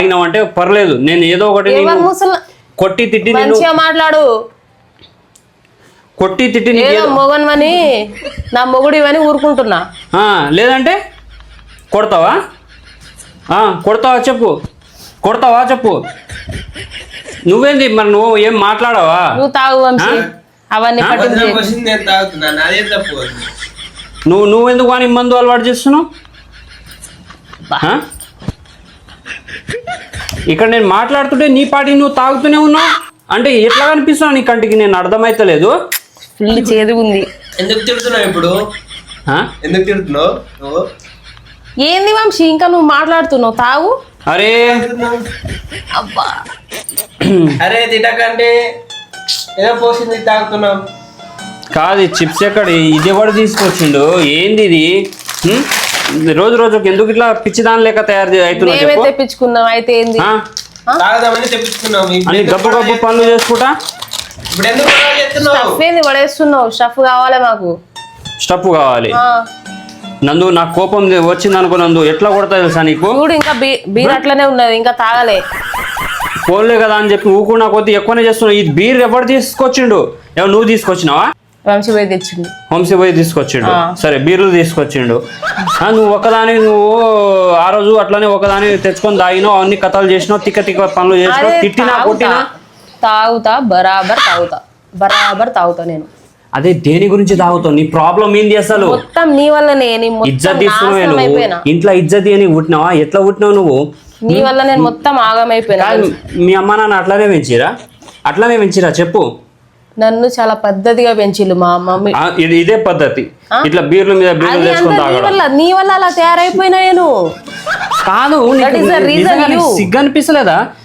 అంటే పర్లేదు, నేను ఏదో ఒకటి కొట్టి తిట్టి మంచిగా మాట్లాడు. కొట్టి తిట్టి మొగన్వని నా మొగుడివని ఊరుకుంటున్నా. లేదంటే కొడతావా? కొడతావా చెప్పు. నువ్వేంది మరి, నువ్వు ఏం మాట్లాడవా? నువ్వు తాగు వంశీ, అవన్నీ నువ్వెందుకు అని మందు అలవాటు చేస్తున్నావు? ఇక్కడ నేను మాట్లాడుతుంటే నీ పాటికి నువ్వు తాగుతూనే ఉన్నావు అంటే ఎట్లా కనిపిస్తున్నావు నీ కంటికి? నేను అర్థమైతలేదు. ఫుల్ చేదు ఉంది. ఎందుకు తిడుతున్నావు ఇప్పుడు? ఎందుకు తిడుతున్నావు నువ్వు? ఏంది వంశీ ఇంకా నువ్వు మాట్లాడుతున్నావు? తాగు. అరే అబ్బా, అరే తిట్టకండి, ఏదో పోసింది తాగుతున్నాం. కాదు చిప్స్ ఎక్కడ, ఇది ఎవడు తీసుకొచ్చిండు? ఏంది ఇది? రోజు రోజుకి ఎందుకు ఇట్లా పిచ్చిదాని లేక తయారు అవుతున్నావు? తెప్పించుకున్నాం అయితే ఏంది? తాగదామని తెప్పించుకున్నాం. అన్ని గబ్బు పనులు చేసుకుంటా. ఇప్పుడు ఎందుకు స్టఫ్ ఏంది పడేస్తున్నావు? స్టఫ్ కావాలి మాకు. స్టఫ్ కావాలి నందు. నాకు కోపం వచ్చింది అనుకో నందు, ఎట్లా కొడతా తెలుసా నీకు? చూడు ఇంకా బీర్ అట్లనే ఉన్నది, ఇంకా తాగలే. పోలే కదా అని చెప్పి ఊకున్నా కొద్ది ఎక్కువనే చేస్తున్నావు. ఈ బీర్ ఎవరు తీసుకొచ్చిండు? ఎవరు నువ్వు తీసుకొచ్చినావా? వంశీ పోయి తెచ్చిండు. వంశీ పోయి తీసుకొచ్చిండు. సరే బీర్లు తీసుకొచ్చిండు. నువ్వు ఒకదాని ఆ రోజు అట్లనే ఒకదాని తెచ్చుకొని తాగినావు, అన్ని కథలు చేసినావు, తిక్క పనులు చేసినావు, తిట్టినా కొట్టినా. బరాబర్ తాగుతా నేను. అదే దేని గురించి తాగుతావు? నీ ప్రాబ్లం ఏంది అసలు? మొత్తం నీ వల్లనే. ఇజ్జత్ తీసుకున్నావు, ఇంట్లో ఇజ్జత్ అని పుట్టినావా? ఎట్లా పుట్టినావు నువ్వు? నీ వల్ల నేను మొత్తం ఆగమైపోయినా. మీ అమ్మ నాన్న అట్లానే పెంచిరా చెప్పు? నన్ను చాలా పద్ధతిగా పెంచిల్లు మా మమ్మీ. ఇదే పద్ధతి, ఇట్లా బీర్ల మీద బీర్లు తెచ్చుకొని తాగడం. నీ వల్ల అలా తయారైపోయినా నేను. కాదు సిగ్గు అనిపిస్తలేదా?